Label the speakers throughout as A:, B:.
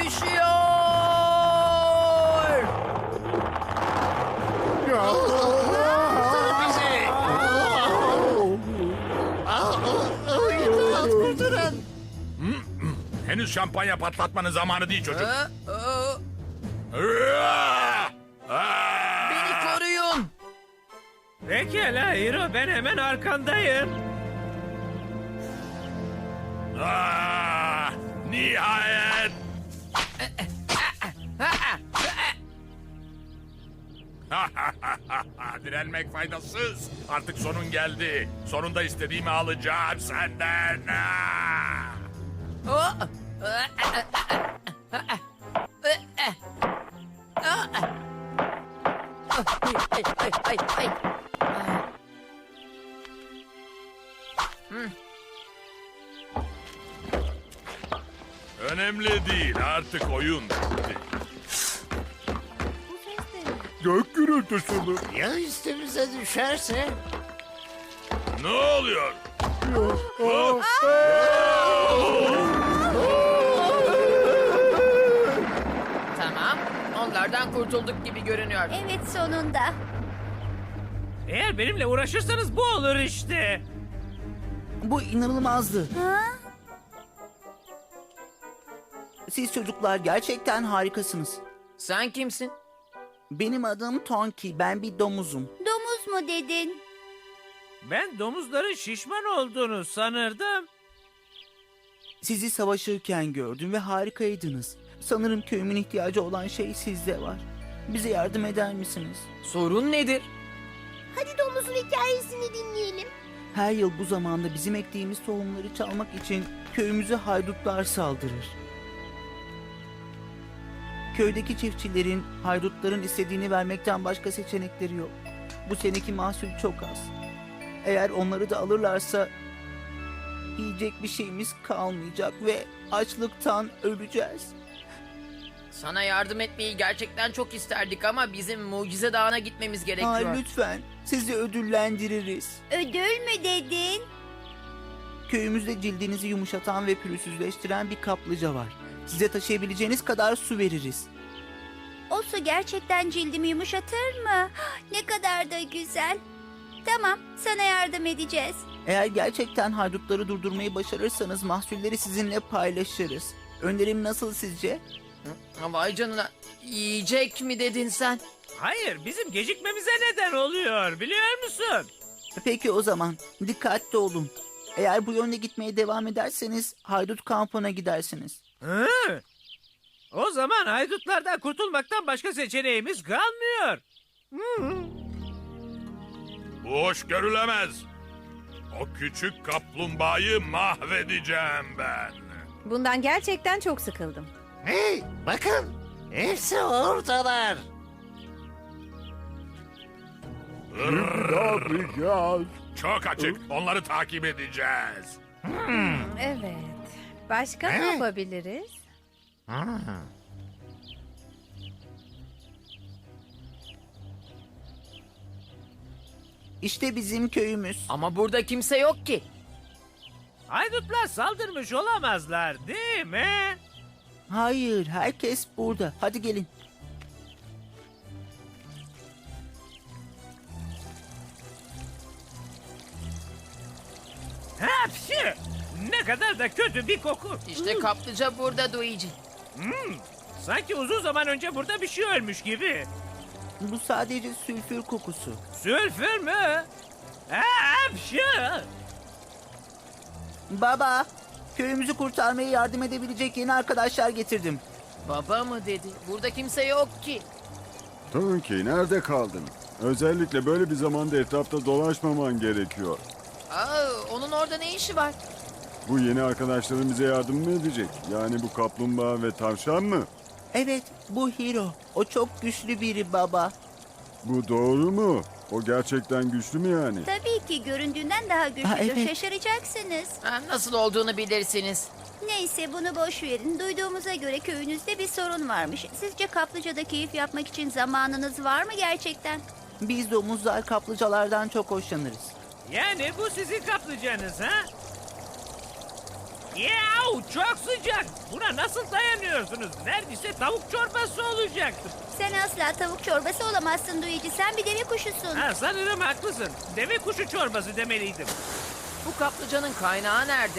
A: düşüyor.
B: Kurtarın bizi. İmdat, kurtarın.
C: Henüz şampanya patlatmanın zamanı değil çocuk.
A: Beni koruyun.
D: Pekala Hiro, ben hemen arkandayım.
C: Nihayet. Direnmek faydasız. Artık sonun geldi. Sonunda istediğimi alacağım senden. Önemli değil. Artık oyun bitti. Gök gürültüsü mü?
B: Ya üstümüze düşerse?
C: Ne oluyor?
A: Tamam. Onlardan kurtulduk gibi görünüyor.
E: Evet, sonunda.
D: Eğer benimle uğraşırsanız bu olur işte.
F: Bu inanılmazdı.
E: Ha?
F: Siz çocuklar gerçekten harikasınız.
A: Sen kimsin?
F: Benim adım Tonki. Ben bir domuzum.
E: Domuz mu dedin?
D: Ben domuzların şişman olduğunu sanırdım.
F: Sizi savaşırken gördüm ve harikaydınız. Sanırım köyümün ihtiyacı olan şey sizde var. Bize yardım eder misiniz?
A: Sorun nedir?
E: Hadi domuzun hikayesini dinleyelim.
F: Her yıl bu zamanda bizim ektiğimiz tohumları çalmak için köyümüze haydutlar saldırır. Köydeki çiftçilerin haydutların istediğini vermekten başka seçenekleri yok. Bu seneki mahsul çok az. Eğer onları da alırlarsa yiyecek bir şeyimiz kalmayacak ve açlıktan öleceğiz.
A: Sana yardım etmeyi gerçekten çok isterdik ama bizim Mucize Dağı'na gitmemiz gerekiyor.
F: Lütfen sizi ödüllendiririz.
E: Ödül mü dedin?
F: Köyümüzde cildinizi yumuşatan ve pürüzsüzleştiren bir kaplıca var. Size taşıyabileceğiniz kadar su veririz.
E: O su gerçekten cildimi yumuşatır mı? Ne kadar da güzel. Tamam, sana yardım edeceğiz.
F: Eğer gerçekten haydutları durdurmayı başarırsanız mahsulleri sizinle paylaşırız. Önerim nasıl sizce?
A: Vay canına. Yiyecek mi dedin sen?
D: Hayır, bizim gecikmemize neden oluyor, biliyor musun?
F: Peki o zaman dikkatli olun. Eğer bu yönde gitmeye devam ederseniz haydut kampına gidersiniz.
D: Hı? O zaman haydutlardan kurtulmaktan başka seçeneğimiz kalmıyor.
C: Bu hoş görülemez. O küçük kaplumbağayı mahvedeceğim ben.
G: Bundan gerçekten çok sıkıldım.
B: Hey, bakın. Hepsi oradalar.
C: Çok açık. Onları takip edeceğiz.
G: Evet. Başka ne yapabiliriz?
F: İşte bizim köyümüz.
A: Ama burada kimse yok ki.
D: Haydutlar saldırmış olamazlar, değil mi?
F: Hayır, herkes burada. Hadi gelin.
D: Hapşi! Ne kadar da kötü bir koku.
A: İşte kaplıca burada Luigi.
D: Sanki uzun zaman önce burada bir şey ölmüş gibi.
F: Bu sadece sülfür kokusu.
D: Sülfür mü? Hapşi!
F: Baba, köyümüzü kurtarmaya yardım edebilecek yeni arkadaşlar getirdim.
A: Baba mı dedi? Burada kimse yok ki.
H: Tonki nerede kaldın? Özellikle böyle bir zamanda etrafta dolaşmaman gerekiyor.
A: Onun orada ne işi var?
H: Bu yeni arkadaşların bize yardım mı edecek? Yani bu kaplumbağa ve tavşan mı?
F: Evet, bu Hiro. O çok güçlü biri baba.
H: Bu doğru mu? O gerçekten güçlü mü yani?
E: Tabii ki göründüğünden daha güçlüdür.
F: Ha, evet.
E: Şaşıracaksınız.
A: Nasıl olduğunu bilirsiniz.
E: Neyse, bunu boş verin. Duyduğumuza göre köyünüzde bir sorun varmış. Sizce kaplıcada keyif yapmak için zamanınız var mı gerçekten?
F: Biz domuzlar kaplıcalardan çok hoşlanırız.
D: Yani bu sizin kaplıcanız ha? Yahu çok sıcak. Buna nasıl dayanıyorsunuz? Neredeyse tavuk çorbası olacaktı.
E: Sen asla tavuk çorbası olamazsın Luigi. Sen bir deve kuşusun.
D: Ha, sanırım haklısın. Deve kuşu çorbası demeliydim.
A: Bu kaplıcanın kaynağı nerede?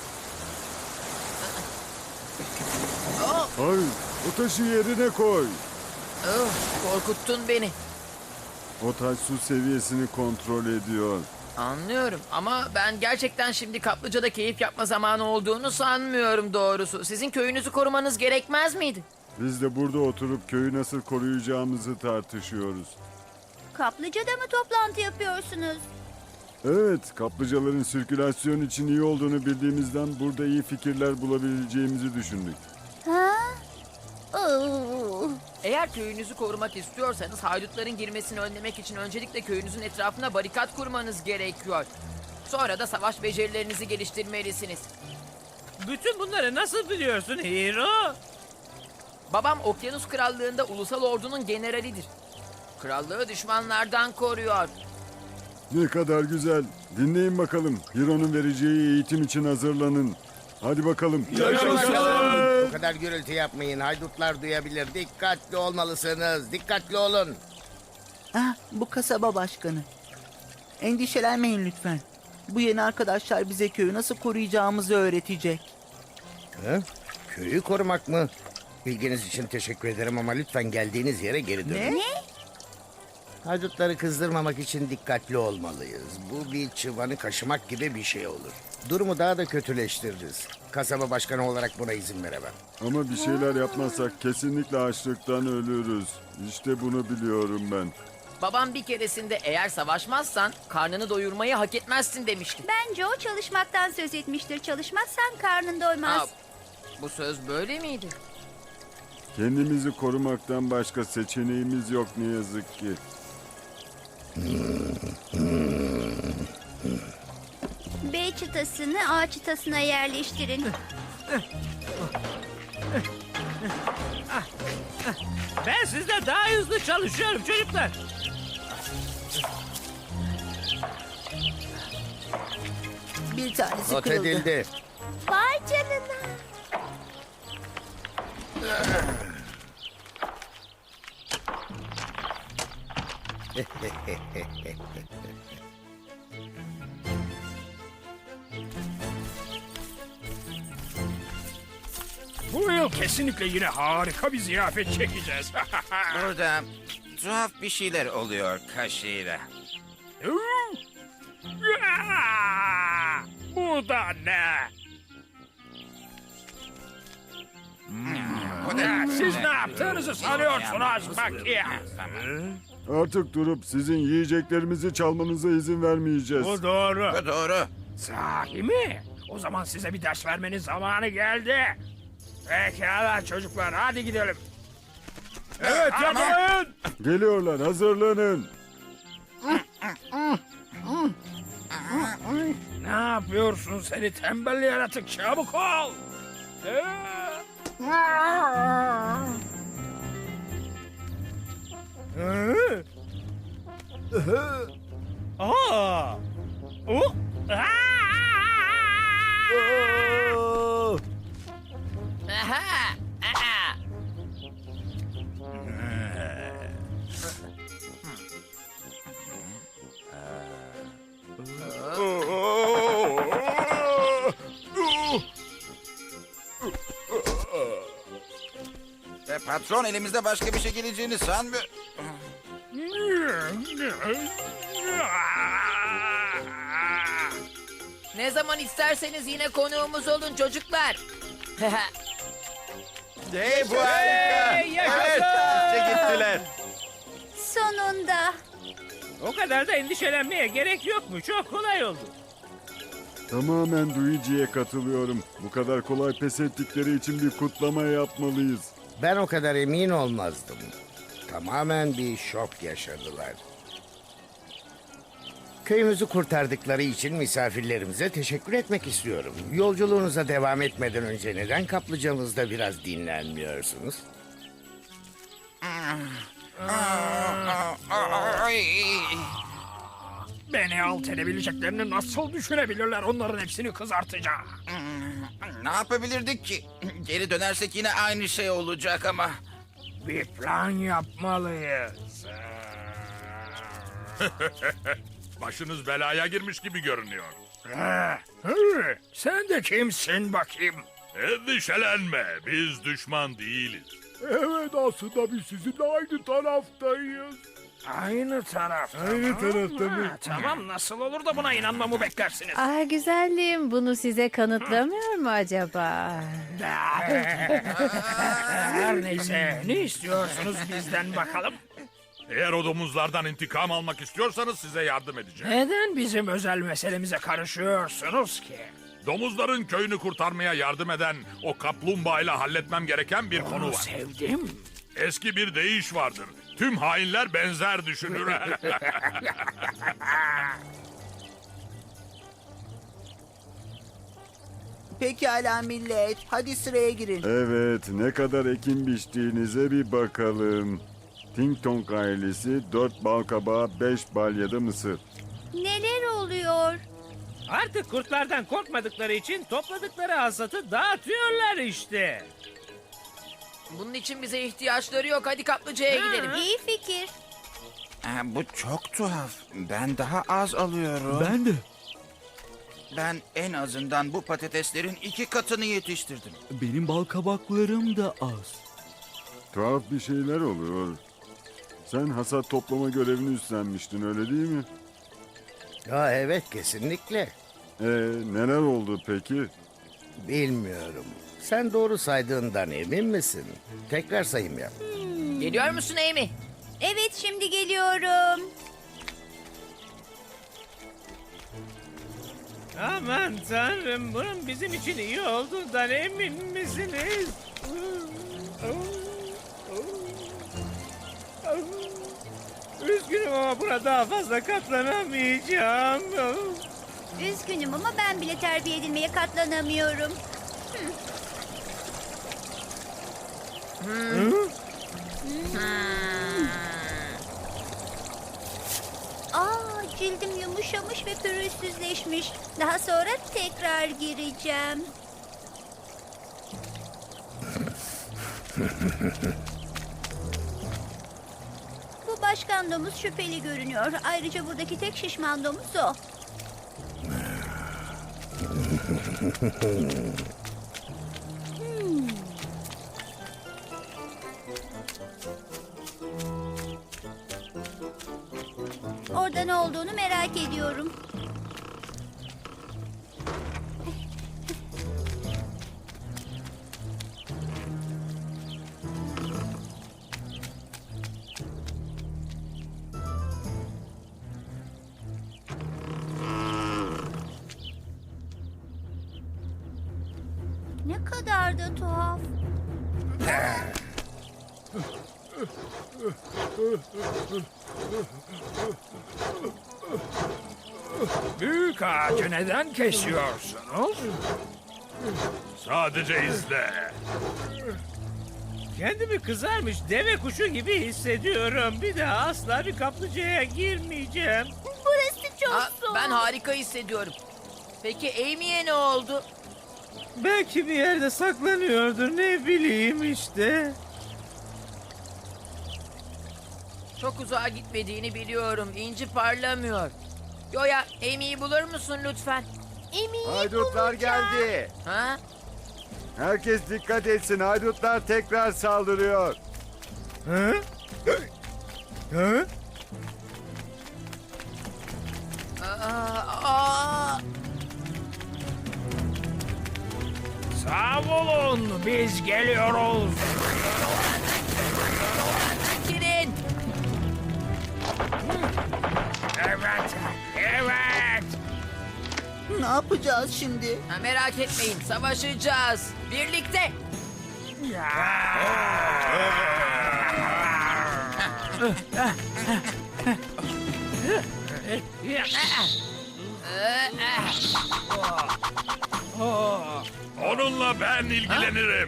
A: Oh,
H: Hayır, o taşı yerine koy.
A: oh, korkuttun beni.
H: O taş su seviyesini kontrol ediyor.
A: Anlıyorum ama ben gerçekten şimdi kaplıcada keyif yapma zamanı olduğunu sanmıyorum doğrusu. Sizin köyünüzü korumanız gerekmez miydi?
H: Biz de burada oturup köyü nasıl koruyacağımızı tartışıyoruz.
E: Kaplıcada mı toplantı yapıyorsunuz?
H: Evet, kaplıcaların sirkülasyon için iyi olduğunu bildiğimizden burada iyi fikirler bulabileceğimizi düşündük.
E: Ha? Oo.
A: Eğer köyünüzü korumak istiyorsanız haydutların girmesini önlemek için öncelikle köyünüzün etrafına barikat kurmanız gerekiyor. Sonra da savaş becerilerinizi geliştirmelisiniz.
D: Bütün bunları nasıl biliyorsun Hero?
A: Babam Okyanus Krallığı'nda ulusal ordunun generalidir. Krallığı düşmanlardan koruyor.
H: Ne kadar güzel. Dinleyin bakalım. Hiro'nun vereceği eğitim için hazırlanın. Hadi bakalım.
I: Bu kadar gürültü yapmayın. Haydutlar duyabilir. Dikkatli olmalısınız. Dikkatli olun.
F: Ah, bu kasaba başkanı. Endişelenmeyin lütfen. Bu yeni arkadaşlar bize köyü nasıl koruyacağımızı öğretecek.
I: Hı? Köyü korumak mı? Bilginiz için teşekkür ederim ama lütfen geldiğiniz yere geri dönün.
F: Ne?
I: Haydutları kızdırmamak için dikkatli olmalıyız. Bu bir çıvanı kaşımak gibi bir şey olur. Durumu daha da kötüleştiririz. Kasaba başkanı olarak buna izin veremem.
H: Ama bir şeyler yapmazsak kesinlikle açlıktan ölürüz. İşte bunu biliyorum ben.
A: Babam bir keresinde eğer savaşmazsan karnını doyurmayı hak etmezsin demişti.
E: Bence o çalışmaktan söz etmiştir. Çalışmazsan karnın doymaz.
A: Aa, bu söz böyle miydi?
H: Kendimizi korumaktan başka seçeneğimiz yok ne yazık ki.
E: B çıtasını A çıtasına yerleştirin.
D: Ben sizden daha hızlı çalışıyorum çocuklar.
F: Bir tanesi
I: Not
F: kırıldı.
I: edildi.
E: Vay canına.
C: Bu yıl kesinlikle yine harika bir ziyafet çekeceğiz.
J: Burada tuhaf bir şeyler oluyor Kaşira.
C: Bu da ne?
J: Bu da
C: Siz ne yaptığınızı sanıyorsunuz bakayım?
H: Artık durup sizin yiyeceklerimizi çalmanıza izin vermeyeceğiz.
C: Bu doğru.
J: Bu doğru.
C: Sahi mi? O zaman size bir ders vermenin zamanı geldi. Pekala çocuklar hadi gidelim. Evet yakalayın.
H: Geliyorlar, hazırlanın.
C: Ne yapıyorsun seni tembel yaratık çabuk ol.
D: Aa! Oh!
A: Aha! Aha!
J: Patron elimizde başka bir şey geleceğini sanmıyor.
A: Ne zaman isterseniz yine konuğumuz olun çocuklar.
J: Hey bu harika. Evet işte gittiler.
E: Sonunda.
D: O kadar da endişelenmeye gerek yok mu? Çok kolay oldu.
H: Tamamen Luigi'ye katılıyorum. Bu kadar kolay pes ettikleri için bir kutlama yapmalıyız.
I: Ben o kadar emin olmazdım. Tamamen bir şok yaşadılar. Köyümüzü kurtardıkları için misafirlerimize teşekkür etmek istiyorum. Yolculuğunuza devam etmeden önce neden kaplıcamızda biraz dinlenmiyorsunuz?
J: Ay.
C: Beni alt edebileceklerini nasıl düşünebilirler? Onların hepsini kızartacağım.
J: Ne yapabilirdik ki? Geri dönersek yine aynı şey olacak ama.
C: Bir plan yapmalıyız.
K: Başınız belaya girmiş gibi görünüyor.
C: Sen de kimsin bakayım?
K: Endişelenme, biz düşman değiliz.
H: Evet aslında biz sizinle aynı taraftayız.
C: Aynı taraf.
H: Aynı tarafta mı?
C: Tamam, nasıl olur da buna inanmamı beklersiniz?
G: Ah güzelliğim, bunu size kanıtlamıyor mu acaba?
C: Her neyse, ne istiyorsunuz bizden bakalım?
K: Eğer o domuzlardan intikam almak istiyorsanız size yardım edeceğim.
C: Neden bizim özel meselemize karışıyorsunuz ki?
K: Domuzların köyünü kurtarmaya yardım eden o kaplumbağayla halletmem gereken bir konu
C: Onu
K: var.
C: sevdim.
K: Eski bir deyiş vardır. Tüm hainler benzer düşünür.
F: Pekala millet, hadi sıraya girin.
H: Evet, ne kadar ekin biçtiğinize bir bakalım. Ting Tong ailesi 4 bal kabağı, 5 balyada mısır.
E: Neler oluyor?
D: Artık kurtlardan korkmadıkları için topladıkları hasatı dağıtıyorlar işte.
A: Bunun için bize ihtiyaçları yok. Hadi kaplıcaya gidelim.
E: İyi fikir.
J: Bu çok tuhaf. Ben daha az alıyorum.
F: Ben de.
J: Ben en azından bu patateslerin 2 katını yetiştirdim.
F: Benim bal kabaklarım da az.
H: Tuhaf bir şeyler oluyor. Sen hasat toplama görevini üstlenmiştin öyle değil mi?
I: Ya evet, kesinlikle.
H: Neler oldu peki?
I: Bilmiyorum. Sen doğru saydığından emin misin? Tekrar sayım yap.
A: Geliyor musun Amy?
E: Evet, şimdi geliyorum.
D: Aman tanrım, bunun bizim için iyi olduğundan emin misiniz? Üzgünüm ama buna daha fazla katlanamayacağım.
E: Üzgünüm ama ben bile terbiye edilmeye katlanamıyorum. Cildim yumuşamış ve pürüzsüzleşmiş. Daha sonra tekrar gireceğim. Bu başkan domuz şüpheli görünüyor. Ayrıca buradaki tek şişman domuz o. Orada ne olduğunu merak ediyorum. Ne kadar da tuhaf.
C: Büyük ağacı neden kesiyorsunuz?
K: Sadece izle.
D: Kendimi kızarmış deve kuşu gibi hissediyorum. Bir daha asla bir kaplıcaya girmeyeceğim.
E: Burası çok soğuk.
A: Ben harika hissediyorum. Peki Amy'ye ne oldu?
D: Belki bir yerde saklanıyordur, ne bileyim işte.
A: Çok uzağa gitmediğini biliyorum. İnci parlamıyor. Yoya, Amy'yi bulur musun lütfen?
H: Haydutlar geldi.
A: Ha?
H: Herkes dikkat etsin. Haydutlar tekrar saldırıyor.
C: Hı? Hı?
A: Aa!
C: Sağ olun, biz geliyoruz.
A: Girin.
C: Evet, evet.
F: Ne yapacağız şimdi?
A: Ha, merak etmeyin, savaşacağız. Birlikte.
K: Onunla ben ilgilenirim.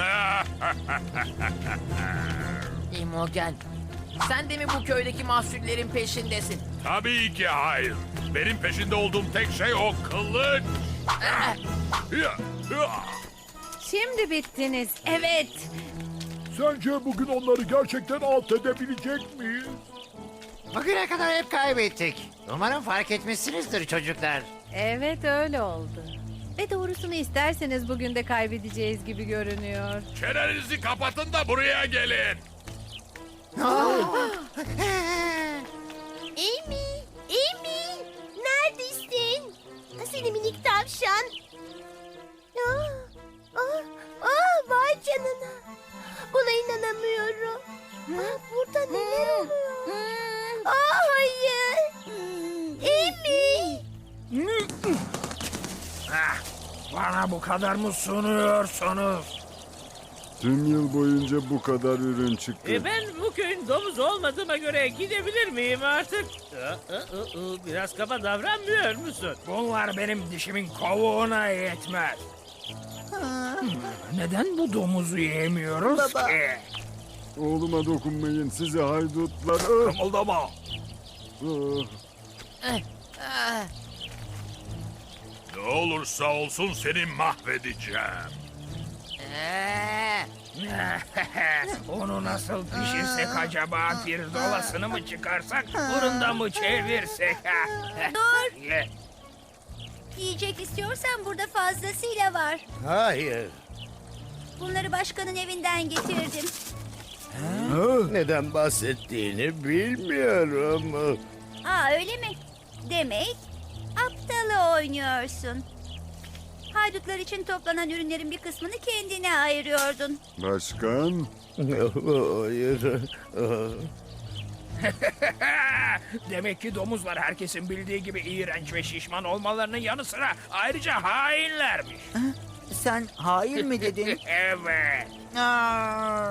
A: Imogen, sen de mi bu köydeki mahsullerin peşindesin?
K: Tabii ki hayır. Benim peşinde olduğum tek şey o kılıç. Ya, ya.
G: Şimdi bittiniz. Evet.
C: Sence bugün onları gerçekten alt edebilecek miyiz?
B: Bugüne kadar hep kaybettik. Umarım fark etmişsinizdir çocuklar.
G: Evet öyle oldu. Ve doğrusunu isterseniz bugün de kaybedeceğiz gibi görünüyor.
K: Çenenizi kapatın da buraya gelin.
E: Amy, Amy, neredesin? Seni minik tavşan. Vay canına. Buna inanamıyorum. Burada neler oluyor? Hayır. Amy.
C: Bana bu kadar mı sunuyorsunuz?
H: Tüm yıl boyunca bu kadar ürün çıktı.
D: Ben bu köyün domuz olmadığıma göre gidebilir miyim artık? Biraz kaba davranmıyor musun?
C: Bunlar benim dişimin kovuğuna yetmez. Neden bu domuzu yemiyoruz
F: Baba.
C: ki?
H: Oğluma dokunmayın sizi haydutlar. Ah!
C: Kımıldama.
H: Ah!
K: Ne olursa olsun seni mahvedeceğim.
C: Onu nasıl pişirsek acaba? Pirzolasını mı çıkarsak, fırında mı çevirsek?
E: Dur.
C: Ye.
E: Yiyecek istiyorsan burada fazlasıyla var.
I: Hayır.
E: Bunları başkanın evinden getirdim.
I: Neden bahsettiğini bilmiyorum.
E: Öyle mi? Demek aptalı oynuyorsun. Haydutlar için toplanan ürünlerin bir kısmını kendine ayırıyordun.
H: Başkan,
I: Hayır.
C: Demek ki domuzlar herkesin bildiği gibi iğrenç ve şişman olmalarının yanı sıra ayrıca hainlermiş.
F: Sen hayır mi dedin?
C: Evet.
F: Aa,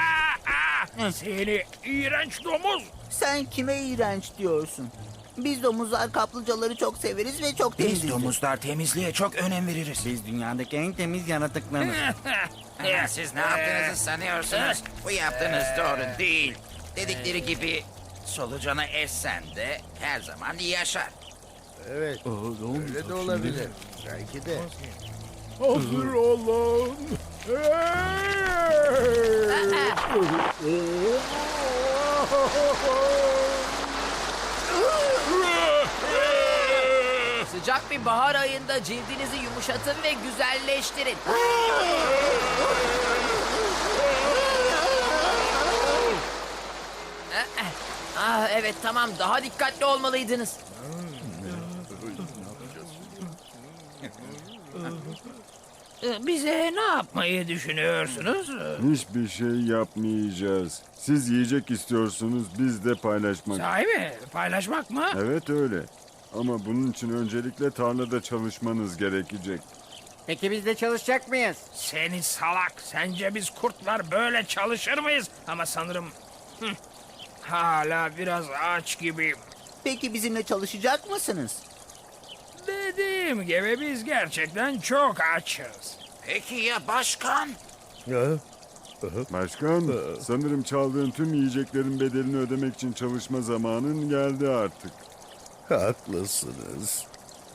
C: Seni iğrenç domuz.
F: sen kime iğrenç diyorsun? Biz domuzlar kaplıcaları çok severiz ve çok temiziz.
J: Biz domuzlar temizliğe çok önem veririz.
F: Biz dünyadaki en temiz yaratıklarız.
J: Siz ne yaptığınızı sanıyorsunuz? Bu yaptığınız doğru değil. Dedikleri gibi solucanı essen de her zaman yaşar.
I: Evet. Öyle de olabilir. Belki de.
C: Hazır olun.
A: Sıcak bir bahar ayında cildinizi yumuşatın ve güzelleştirin. Evet tamam, daha dikkatli olmalıydınız.
C: Bize ne yapmayı düşünüyorsunuz?
H: hiçbir şey yapmayacağız. Siz yiyecek istiyorsunuz, biz de paylaşmak.
C: Sahi mi? Paylaşmak mı?
H: Evet öyle. Ama bunun için öncelikle tarlada çalışmanız gerekecek.
B: Peki biz de çalışacak mıyız?
C: Seni salak. Sence biz kurtlar böyle çalışır mıyız? Ama sanırım hala biraz aç gibiyim.
F: Peki bizimle çalışacak mısınız?
C: Dediğim gibi biz gerçekten çok açız.
J: Peki ya başkan?
H: Başkan, sanırım çaldığın tüm yiyeceklerin bedelini ödemek için çalışma zamanın geldi artık.
I: Haklısınız.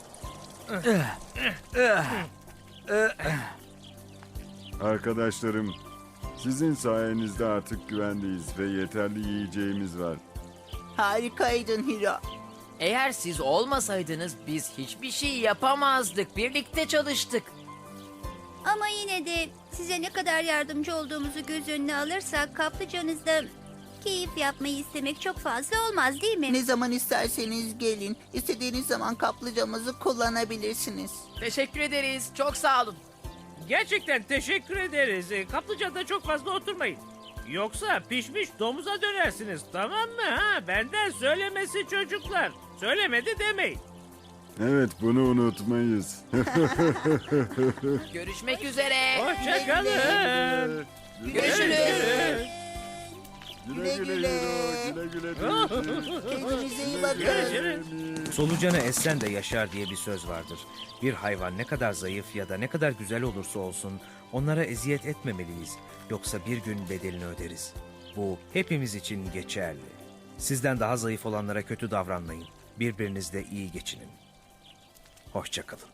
H: Arkadaşlarım, sizin sayenizde artık güvendeyiz ve yeterli yiyeceğimiz var.
F: Harikaydın Hira.
A: Eğer siz olmasaydınız biz hiçbir şey yapamazdık. Birlikte çalıştık.
E: Ama yine de size ne kadar yardımcı olduğumuzu göz önüne alırsak kaplıcanızda keyif yapmayı istemek çok fazla olmaz değil mi?
F: Ne zaman isterseniz gelin. İstediğiniz zaman kaplıcamızı kullanabilirsiniz.
A: Teşekkür ederiz. Çok sağ olun.
D: Gerçekten teşekkür ederiz. Kaplıcada çok fazla oturmayın. Yoksa pişmiş domuza dönersiniz, tamam mı? Benden söylemesi çocuklar. Söylemedi demeyin.
H: Evet, bunu unutmayız.
A: Görüşmek üzere.
D: Hoşçakalın.
A: Görüşürüz.
H: Güle güle Hiro, güle güle Tintin.
F: Kendinize iyi bakın.
D: Görüşürüz.
L: Solucanı essen de yaşar diye bir söz vardır. Bir hayvan ne kadar zayıf ya da ne kadar güzel olursa olsun onlara eziyet etmemeliyiz. Yoksa bir gün bedelini öderiz. Bu hepimiz için geçerli. Sizden daha zayıf olanlara kötü davranmayın. Birbirinizle iyi geçinin. Hoşça kalın.